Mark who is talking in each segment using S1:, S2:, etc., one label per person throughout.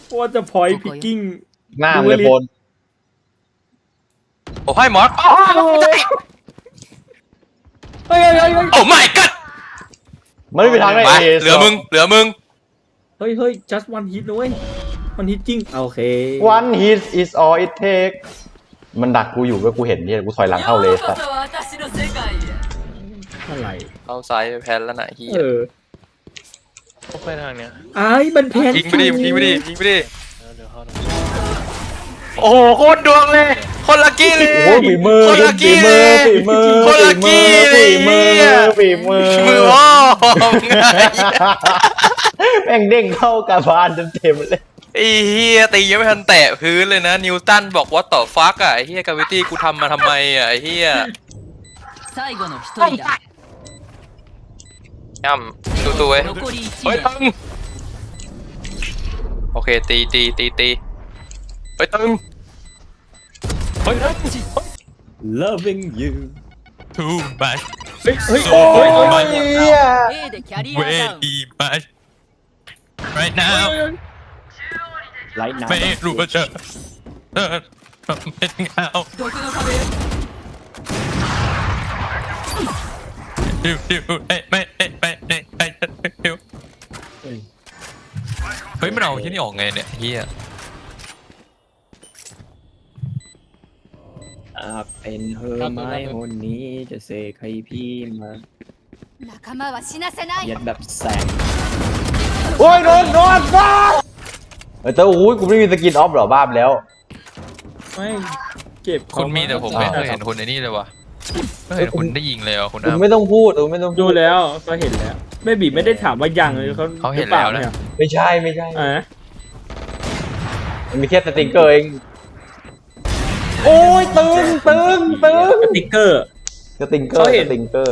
S1: ว่าจะพอยพิกกิ้ง
S2: หน้ามันเลยโฟน
S3: โอ้ให้หมอ
S1: เฮ้ย
S3: โอ้ my god
S2: มันไม่มีทางได้
S3: ไปเหลือมึง
S1: เฮ้ย just one hit นะเว้ย one hit จริงโอเค
S2: one hit is all it take มันดักกูอยู่ก็กูเห็นเนี่ยกูถอยหลังเข้าเลยสัตว์
S1: อะไร
S3: เอาซ้ายไปแพนแล้วนะเฮีย
S4: ต้องไปทางเนี้ย
S1: ไอ้มันแพน
S3: ยิงไปดิ
S4: เดี๋ยวเข้าหน่อย
S3: โอ้โหโคตรดวงเลยคนลัคกี้เลย
S2: โอ้ฝีมือ
S3: คนลัคกี้เลย คนละกี้เลย
S2: ฝีมือ
S3: มืออ้อไง
S2: แม่งเด้งเข้ากระบาลเต็มเลย
S3: ไอ้เฮียตียังไม่ทันแตะพื้นเลยนะนิวตันบอกว่าต่อฟักอ่ะไอ้เฮียกาวิตี้กูทำมาทำไมอ่ะไอ้เฮียย่ำตัวเว้ยเฮ้ยตึงโอเคตีเฮ้ยตึงเฮ้ย
S1: loving you
S3: too much
S1: เฮ้ย
S2: โอ้ยเหี้ย
S3: way much right now
S1: ไลท์น้ำ
S3: ไม่รู้ว่าจะเป็นเงาดิวไม่เฮ้ยมันเอาที่นี่ออกไงเนี่ยเฮีย
S1: เป็นเธอไม้คนนี้จะเสกให้พี่มาเย็ดแบบแสง
S2: โอ้ยโดนบ้าแต่โอ้ยกูไม่มีสกินออฟหรอบ้าไปแล้ว
S1: ไม่เก็บ
S3: คุณมีแต่ผมไม่เคยเห็นคุณในนี่เลยวะไม่เคยเห็นคุณได้ยิงเลยอ่ะคุณ
S2: คุณ
S3: น้ำ
S2: ไม่ต้องพูดไม่ต้อง
S1: ดูแล้วก็เห็นแล้วแม่บีไม่ได้ถามว่ายังเลยเขา
S3: เขาเห็นแล้วนะ
S2: ไม่ใช่
S1: อ่ะ
S2: มันมีแค่สติงเกอร์เองโอ้ยตึง
S1: สติ๊กเกอร์
S2: สติงเกอร์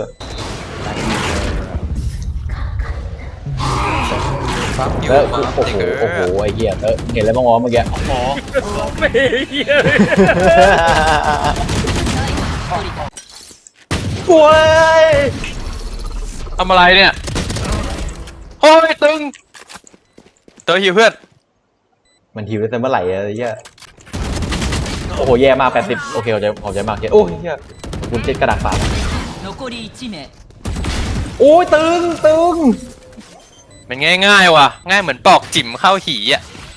S3: ฟักอยู่
S2: เตอะ
S3: มา
S2: โอ้โหไอ้เหี้ยเตอะเห็นอะไรบ้างวะเมื่อกี้
S3: หมอ
S1: ไม่เหี้ย
S2: กล้วย
S3: ทำอะไรเนี่ยโอ้ยตึงเตอหิวเพื่อน
S2: มันหิวแต่เมื่อไหร่อะไรเงี้ยโอ้โหแย่มาก80โอเคขอบใจมากโอ้ยเหี้ยคุณเจ็ดกระดาษเปล่าโอ้ยตึง
S3: มันง่ายว่ะง่ายเหมือนปอกจิ๋มเข้าหีอ่ะ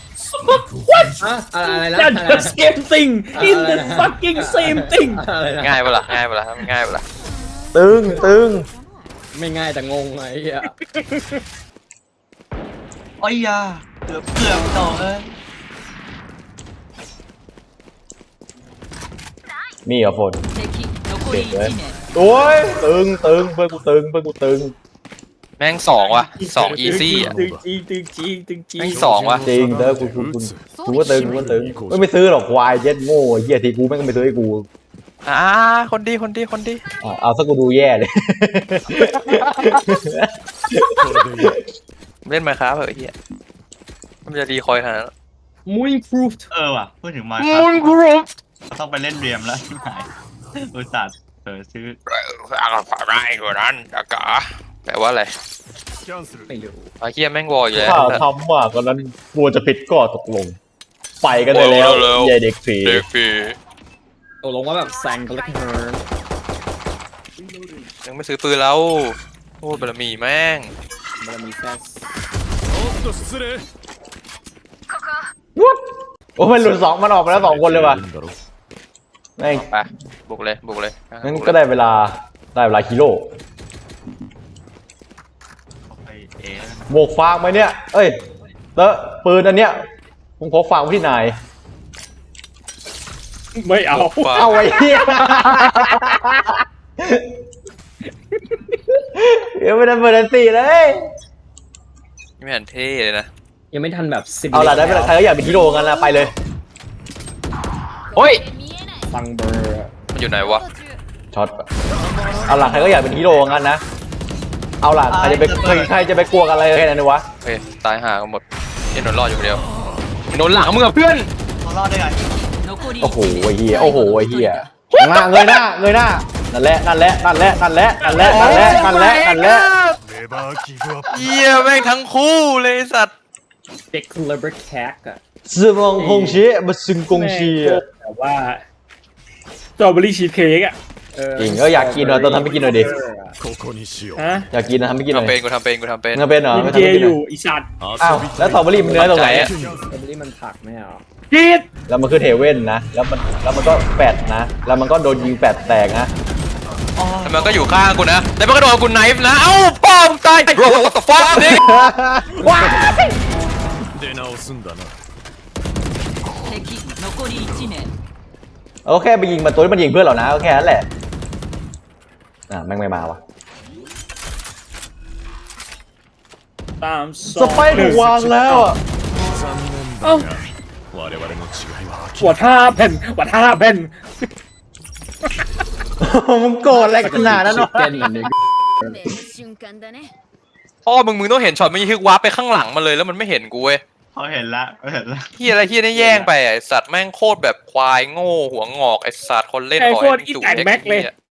S4: อะไรนะ
S1: That's the same thing in the fucking same thing
S3: ง่ายปะล่ะง่ายปะล่ะ
S2: ตึง
S4: ไม่ง่ายแต่งงไอ้เหี้ย
S5: โอ้ยยาเกือบต่อเลย
S2: มีเหรอฝนโอ้ยตึงเพื่อนกูตึง
S3: แม่งสองว่ะสองอีซี่อ่ะ
S1: ตึงจี
S3: แม่งสองว่ะ
S2: จริงเด้อกูว่าตึงไม่ซื้อหรอกควายเย็ดโง่เหี้ยทีกูแม่งก็ไม่ซื้อให้กู
S3: คนดี
S2: เอาซะกูดูแย่เลย
S3: เล่นมาครับเหรอเฮียมันจะดีคอยขนาดนั้น
S1: มูนพรูฟ
S5: ว่ะพูดถึงมา
S3: มุนกรุ๊ป
S5: ต้องไปเล่นเรียมแล้วที่ไหนอุตส่าห์ซื้อ
S3: อะไรกว่านั้นอากาแปลว่าอะไร
S1: ไม่รู้
S3: ไอ้เฮียแม่งวออยู่แล้ว
S2: ถ้าทำว่าตอนนั้นกลัวจะผิดก็ตกลง ไปกันได้แล้วเย่เด็กผี
S3: เด็กปี
S1: ตกลงว่าแบบแซงกันแล้วกัน
S3: ยังไม่ซื้อปืนแล้วโอ้บารมีแม่ง
S1: มันมีแซส
S2: โอ้มันหลุดสองมันออกมาแล้ว2 คนเลยว่ะแม่ง
S3: ไปบุกเลย
S2: งั้นก็ได้เวลาฮีโร่
S5: ไปเอ
S2: โบกฟางไหมเนี่ยเอ้ยเตอะปืนอันเนี้ยผมขอฝากไว้ที่นาย
S1: ไม่เอา
S2: เอาไว้เหี้ยเดี๋ยวไม่ได้เปิดอันตีเลย
S3: ไม่เห็นเท่เลยนะ
S1: ยังไม่ทันแบบสิบ
S2: เอาล่ะได้เวลาใครก็อยากเป็นฮีโร่กันละไปเลย
S3: โอ้ย
S1: ฟังเบอร์
S3: มันอยู่ไหนวะ
S2: ช็อตเอาล่ะใครก็อยากเป็นฮีโร่กันนะเอาล่ะใครจะไปกลัวกันอะไรแค่นั้นวะ
S3: โอเคตายห่ากันหมดยันโดนรอดอยู่คนเดียวโดนหลังมึงกับเพื่อน
S5: เขารอดได้ไง
S2: โอ้โหไอ้เหี้ยหน้าเงยหน้านั่นแหละ
S3: เยี่ยแม่งทั้งคู่เลยสัตว์
S1: เด็กเลเบอร์แคกอะ
S2: สมองคงเชะมาซึงกงเชีย
S1: แต่ว่าสตรอเบอรี่ชีสเค้กอะ
S2: จริงก็อยากกินหน่อยต้องทำให้กินหน่อยดิ
S1: ฮะ
S2: อยากกินนะทำให้กินหน่อย
S3: กูทำเป็น
S2: มึงเป็นเหรอ
S1: กิน
S2: ไม่
S1: เจ
S2: ทำให้กิน
S1: อ
S2: หน่
S1: ยู่
S2: อย
S1: อีสัตว์
S2: อ้าวแล้วสตรอเบอรี่มันเนื้อตรงไหนอะ
S4: สตรอเบอรี่มันผักไม่เหรอ
S1: กิน
S2: แล้วมันคือเทเว่นนะแล้วมันก็แปดนะแล้วมันก็โดนยิงแปดแตกนะ
S3: แล้วมันก็อยู่ข้างกูนะแล้วมันก็โดนกูไนฟ์นะเอ้าพ่อมึงตาย Bro what the fuck นี่
S6: 敵残り1名
S2: โอเคไปยิงมันตัวที่มันยิงเพื่อนเรานะก็แค่นั้นแหละแม่งไม่มาวะ
S1: ตาม
S2: สไปร์ถูกวางแล้วอ่ะ
S1: เอ้าหัวท่าแผ่นหัวท่าแผ่น
S2: มึงโกรธอะไรขนาดนั้นวะ
S4: เต้นเหมือนเด็ก
S6: 運命の瞬間だね
S3: พ่อมึงต้องเห็นช็อตมันยิงวาร์ปไปข้างหลังมาเลยแล้วมันไม่เห็นกูเว้ย
S5: เขาเห็นละเขาเห็นละ
S3: เฮียอะไรเฮียนี่แย่งไปไอสัตว์แม่งโคตรแบบควายโง่หัวงอกไอสัตว์คนเล่น
S1: ไอ้
S3: ขอ
S1: โคตร
S3: ให้
S1: อี
S3: จุก
S1: แตก
S3: เด็ก
S1: แม็กเลย
S3: เหี้ย